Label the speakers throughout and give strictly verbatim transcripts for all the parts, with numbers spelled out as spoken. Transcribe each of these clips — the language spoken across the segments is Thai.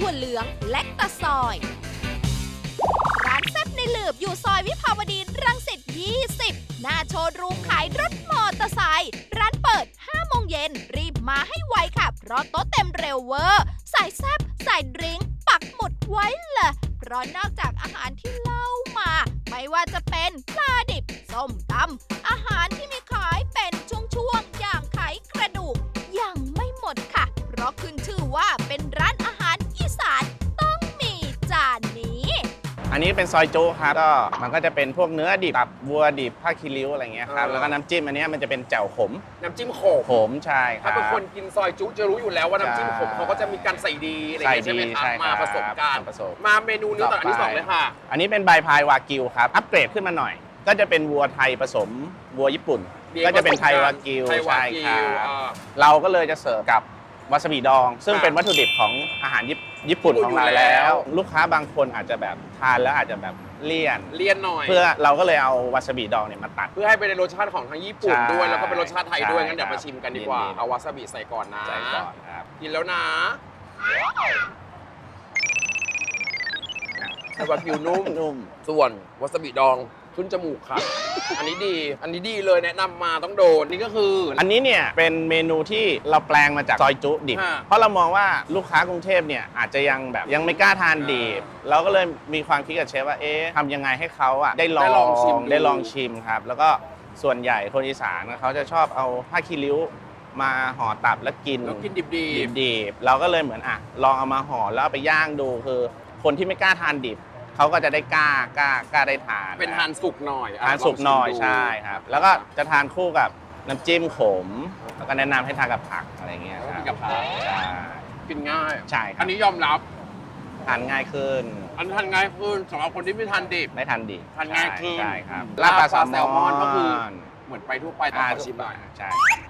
Speaker 1: ถั่วเหลืองและตะซอยร้านแซ่บในหลืบอยู่ซอยวิภาวดีรังสิตยี่สิบหน้าโชว์รูมขายรถมอเตอร์ไซค์ร้านเปิดห้าโมงเย็นรีบมาให้ไวค่ะเพราะโต๊ะเต็มเร็วเวอร์ใส่แซ่บใส่ดริงก์ปักหมุดไว้เลยเพราะนอกจากอาหารที่เล่ามาไม่ว่าจะเป็นปลาดิบส้มตำอาหารที่มีขายเป็นช่วงๆอย่างไขกระดูกยังไม่หมดค่ะเพราะขึ้นชื่อว่าเป็นร้านอาหารอีสานต้องมีจานนี้
Speaker 2: อันนี้เป็นซอยจุครับก็มันก็จะเป็นพวกเนื้อดิบตับวัวดิบผ้าคีริ้วอะไรเงี้ยครับแล้วก็น้ำจิ้มอันนี้มันจะเป็นแจ่วขม
Speaker 3: น้ำจิ้มขม
Speaker 2: ขมใช่ครับ
Speaker 3: ถ้าเป็นคนกินซอยจุจะรู้อยู่แล้วว่าน้ำจิ้มขมเขาก็จะมีการใส่ดีอะไรอย่างเงี้ยใช่ไหมครับมาผสมกันมาเมนูนี้ต่ออันที่สองเลยค่ะ
Speaker 2: อันนี้เป็นใบพายวากิวครับอัปเกรดขึ้นมาหน่อยก็จะเป็นวัวไทยผสมวัวญี่ปุ่นก็จะเป็นไทยวากิวใช่ครับเราก็เลยจะเสิร์ฟกับวาซาบิดองซึ่งเป็นวัตถุดิบของอาหารญี่ปุ่นของเราแล้วลูกค้าบางคนอาจจะแบบทานแล้วอาจจะแบบเลี่ยน
Speaker 3: เลี่ยนหน่อย
Speaker 2: เพื่อเราก็เลยเอาวาซาบิดองเนี่ยมาตัด
Speaker 3: เพื่อให้เป็นรสชาติของทั้งญี่ปุ่นด้วยแล้วก็เป็นรสชาติไทยด้วยงั้นเดี๋ยวมาชิมกันดีกว่าเอาวาซาบิใส่ก่อนนะ
Speaker 2: ใส่ก่อนครับ
Speaker 3: กินแล้วนะไทยวากิวนุ่ม
Speaker 2: นุ่ม
Speaker 3: ส่วนวาซาบิดองขึ้นจมูกค่ะอันนี้ดีอันนี้ดีเลยแนะนำมาต้องโดนนี่ก็คือ
Speaker 2: อันนี้เนี่ยเป็นเมนูที่เราแปลงมาจากซอยจุดิบเพราะเรามองว่าลูกค้ากรุงเทพเนี่ยอาจจะยังแบบยังไม่กล้าทานดิบเราก็เลยมีความคิดกับเชฟว่าเอ๊ะทำยังไงให้เขาอ่ะได้ลองชิมได้ลองชิมครับแล้วก็ส่วนใหญ่คนอีสานเขาจะชอบเอาผ้าคีริ้วมาห่อตับแล้วกิน
Speaker 3: แล้วกินดิบดิบ
Speaker 2: ดิบเราก็เลยเหมือนอ่ะลองเอามาห่อแล้วไปย่างดูคือคนที่ไม่กล้าทานดิบเขาก็จะได้กล้ากล้ากล้าได้ทาน
Speaker 3: เป็นทานสุกหน่อย
Speaker 2: ทานสุกหน่อยใช่ครับแล้วก็จะทานคู่กับน้ำจิ้มขมแล้วก็แนะนำให้ทานกับผักอะไรเงี้ยครับ
Speaker 3: กับผัก
Speaker 2: ใช่
Speaker 3: กินง่าย
Speaker 2: ใช่ครับ
Speaker 3: อันนี้ยอมรับ
Speaker 2: ทานง่ายขึ้น
Speaker 3: อันทานง่ายขึ้นสำหรับคนที่ไม่ทานดิบ
Speaker 2: ไม่ทานดิบ
Speaker 3: ทานง่ายขึ้น
Speaker 2: ใช่ครับ
Speaker 3: ลาบปลาแซลมอนก็คือเหมือนไปทั่วไปแต่ขอชิมหน่อย
Speaker 2: ใช่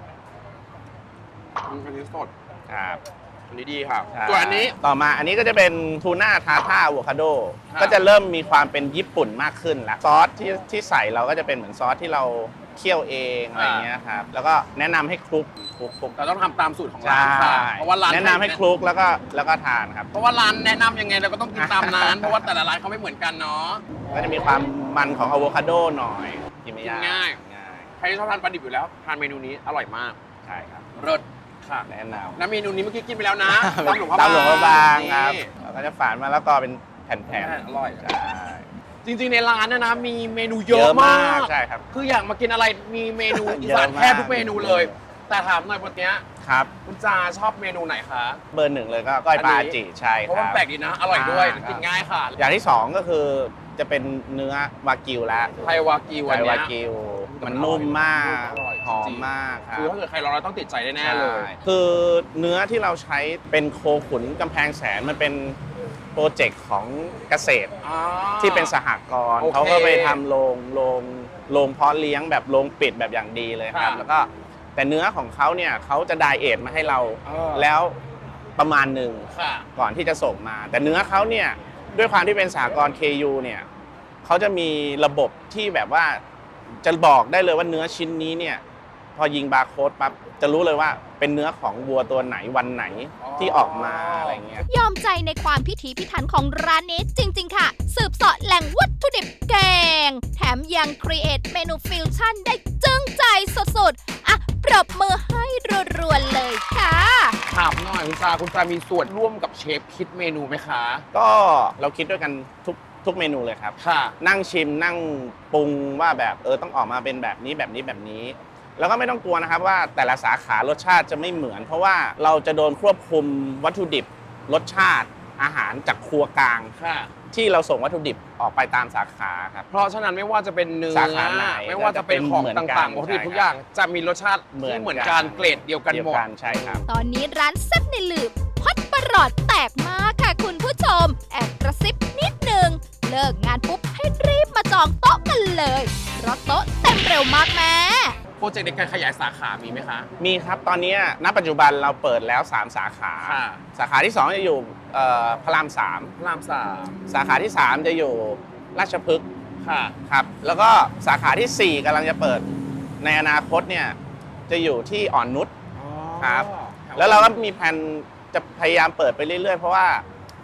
Speaker 3: อันนี้สด
Speaker 2: ครับ
Speaker 3: อันนี้ดีครับส่วนอันนี้
Speaker 2: ต่อมาอันนี้ก็จะเป็นทูน่าทาท่าอะโวคาโดก็จะเริ่มมีความเป็นญี่ปุ่นมากขึ้นแล้วซอสที่ที่ใส่เราก็จะเป็นเหมือนซอสที่เราเคี่ยวเองอะไรเงี้ยครับแล้วก็แนะนำให้คลุกคลุกคลุก
Speaker 3: เราต้องทำตามสูตรของร้านค่ะเพราะว่าร้าน
Speaker 2: แนะนำให้คลุกแล้วก็แล้วก็ทานครับ
Speaker 3: เพราะว่าร้านแนะนำยังไงเราก็ต้องกินตามนั้นเพราะว่าแต่ละร้านเขาไม่เหมือนกันเนาะ
Speaker 2: ก็จะมีความมันของอะโวคาโดหน่อยกินไม่ยาก
Speaker 3: ง่ายใครที่ชอบทานปลาดิบอยู่แล้วทานเมนูนี้อร่อยมาก
Speaker 2: ใช่ครับ
Speaker 3: เลิศ
Speaker 2: แนะนำ
Speaker 3: น้ำเมนูนี้เมื่อกี้กินไปแล้วนะตำหลวงพระ
Speaker 2: บางตำหลวงพระบางครับเราก็จะฝานมาแล้วก็เป็นแผ่น
Speaker 3: ๆอร่อย
Speaker 2: ใช่
Speaker 3: จริงๆในร้านนะนะมีเมนูเยอะมาก
Speaker 2: ใช่ครับ
Speaker 3: คืออยากมากินอะไรมีเมนูอีสานแทบทุกเมนูเลยแต่ถามหน่อยวันนี้
Speaker 2: ครับ
Speaker 3: คุณจาชอบเมนูไหนคะ
Speaker 2: เบอร์หนึ่งเลยก็ก้อยปลาจีใช่ครับ
Speaker 3: เพราะมันแปลกดีนะอร่อยด้วยกินง่ายค่ะ
Speaker 2: อย่างที่สองก็คือจะเป็นเนื้อวากิวแล้ว
Speaker 3: ไทยวากิว
Speaker 2: ไทยวากิวมันนุ่มมากหอมมากครับ
Speaker 3: คือถ้าเกิดใครลองแล้วต้องติดใจแน่ๆเลย
Speaker 2: คือเนื้อที่เราใช้เป็นโคขุนกำแพงแสนมันเป็นโปรเจกต์ของเกษตรที่เป็นสหกรณ์เขาก็ไปทำโรงโรงโรงเพาะเลี้ยงแบบโรงปิดแบบอย่างดีเลยครับแล้วก็แต่เนื้อของเขาเนี่ยเขาจะไดเอทมาให้เราแล้วประมาณหนึ่งก่อนที่จะส่งมาแต่เนื้อเขาเนี่ยด้วยความที่เป็นสหกรณ์ เค ยู เนี่ยเขาจะมีระบบที่แบบว่าจะบอกได้เลยว่าเนื้อชิ้นนี้เนี่ยพอยิงบาร์โค้ดปั๊บจะรู้เลยว่าเป็นเนื้อของวัวตัวไหนวันไหนที่ออกมาอะไรเงี้ย
Speaker 1: ยอมใจในความพิถีพิถันของร้านนี้จริงๆค่ะสืบเสาะแหล่งวัตถุดิบแกงแถมยังครีเอทเมนูฟิวชั่นได้จึ้งใจสุดๆอ่ะปรบมือให้รัวๆเลยค่ะ
Speaker 3: ถามหน่อยคุณจาคุณจามีส่วนร่วมกับเชฟคิดเมนูไหมคะ
Speaker 2: ก็เราคิดด้วยกันทุกทุกเมนูเลยครับ
Speaker 3: ค่ะ
Speaker 2: นั่งชิมนั่งปรุงว่าแบบเออต้องออกมาเป็นแบบนี้แบบนี้แบบนี้แล้วก็ไม่ต้องกลัวนะครับว่าแต่ละสาขารสชาติจะไม่เหมือนเพราะว่าเราจะโดนควบคุมวัตถุดิบรสชาติอาหารจากครัวกลางที่เราส่งวัตถุดิบออกไปตามสาขาครับ
Speaker 3: เพราะฉะนั้นไม่ว่าจะเป็นเนื้อ
Speaker 2: สาขาไหน
Speaker 3: ไม่ว่าจะเป็นของต่างๆวัตถุดิบทุกอย่างจะมีรสชาติที่เหมือนกันเกรดเดียวกันหมด
Speaker 2: ใช่ครับ
Speaker 1: ตอนนี้ร้านแซ่บในหลืบฮอตประหลอดแตกมากค่ะคุณผู้ชมแอบกระซิบนิดนึงเลิกงานปุ๊บให้รีบมาจองโต๊ะกันเลยเพราะโต๊ะเต็มเร็วมากแม่
Speaker 3: โปรเจกต์ในการขยายสาขามีไหมคะ
Speaker 2: มีครับตอนนี้ณปัจจุบันเราเปิดแล้วสามสาขาสาขาที่สองจะอยู่พระรามสาม
Speaker 3: พระรามสาม
Speaker 2: สาขาที่สามจะอยู่ราชพฤกษ์
Speaker 3: ค่ะ
Speaker 2: ครับแล้วก็สาขาที่สี่กำลังจะเปิดในอนาคตเนี่ยจะอยู่ที่อ่อนนุชครับแล้วเราก็มีแผนจะพยายามเปิดไปเรื่อยๆเพราะว่า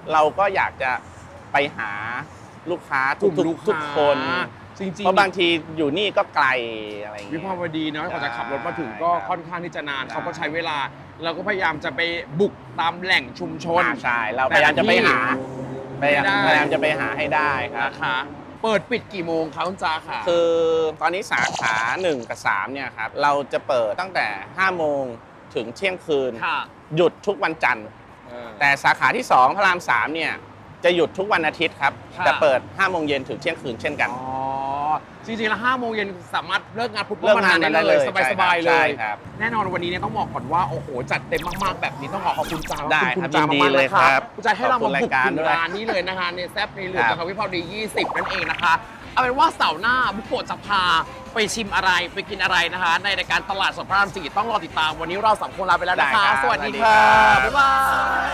Speaker 2: เราก็อยากจะไปหาลูกค้าก
Speaker 3: ลุ่ม
Speaker 2: ทุก
Speaker 3: ลูก
Speaker 2: ๆทุก
Speaker 3: ค้า
Speaker 2: คน
Speaker 3: จริงๆ
Speaker 2: เพราะบางทีอยู่นี่ก็ไกลอะไรอย่าง
Speaker 3: วิ
Speaker 2: เงี้ย
Speaker 3: ภาวดีเนาะกว่าจะขับรถมาถึง
Speaker 2: ใช่
Speaker 3: ก็
Speaker 2: ครับ
Speaker 3: ค่อนข้างที่จะนาน
Speaker 2: ใช่
Speaker 3: เขาก็ใช้เวลาเราก็พยายามจะไปบุกตามแหล่งชุมชน
Speaker 2: อ่าใช่เราพยายามจะไปหาพยายาม
Speaker 3: ไม่ได้
Speaker 2: พยายามจะไปหาให้ได้ครับ
Speaker 3: นะคะเปิดปิดกี่โมงคะคุณจาค่ะ
Speaker 2: คือตอนนี้สาขาหนึ่งกับสามเนี่ยครับเราจะเปิดตั้งแต่ห้าโมงถึงเที่ยงคืน
Speaker 3: ค่ะ
Speaker 2: หยุดทุกวันจันทร์ แต่สาขาที่สองพระรามสามเนี่ยจะหยุดทุกวันอาทิตย์ครับ
Speaker 3: ค่ะ
Speaker 2: แต่เปิดห้าโมงเย็นถึงเที่ยงคืนเช่นกัน
Speaker 3: อ๋อจริงๆแล้วห้าโมงเย็นสามารถเลิกงานปุ๊บ
Speaker 2: เลิกงาน
Speaker 3: ได้
Speaker 2: ได้เลย
Speaker 3: สบายๆเล
Speaker 2: ใช่
Speaker 3: ย
Speaker 2: ครับ
Speaker 3: แน่นอนวันนี้เนี่ยต้องบอกก่อนว่าโอ้โหจัดเต็มมากๆแบบนี้ต้องขอขอบคุณจา
Speaker 2: ได้
Speaker 3: ขอบคุณ
Speaker 2: ครับ
Speaker 3: จา
Speaker 2: ยินดี
Speaker 3: มากๆ
Speaker 2: เลย
Speaker 3: นะค
Speaker 2: ครั
Speaker 3: รับบ คุณจาให้เรา
Speaker 2: ขอบคุ
Speaker 3: มา
Speaker 2: ณ
Speaker 3: บุก
Speaker 2: รายการ
Speaker 3: ถึง
Speaker 2: ด้วย
Speaker 3: ร้านนี้เลยนะคะในแซฟในเหลือ
Speaker 2: ครับ
Speaker 3: นะคะวิภาวดียี่สิบนั่นเองนะคะเอาเป็นว่าเสาร์หน้าบุกโกะจะพาไปชิมอะไรไปกินอะไรนะคะ ในรายการตลาดสดพระรามสี่ต้องรอติดตามวันนี้เราสามคนลาไปแล้วนะคะ
Speaker 2: ได้ครับ
Speaker 3: สวัสดี
Speaker 2: สวัสดี
Speaker 3: ค่ะ
Speaker 2: ครับ
Speaker 3: บ๊ายบาย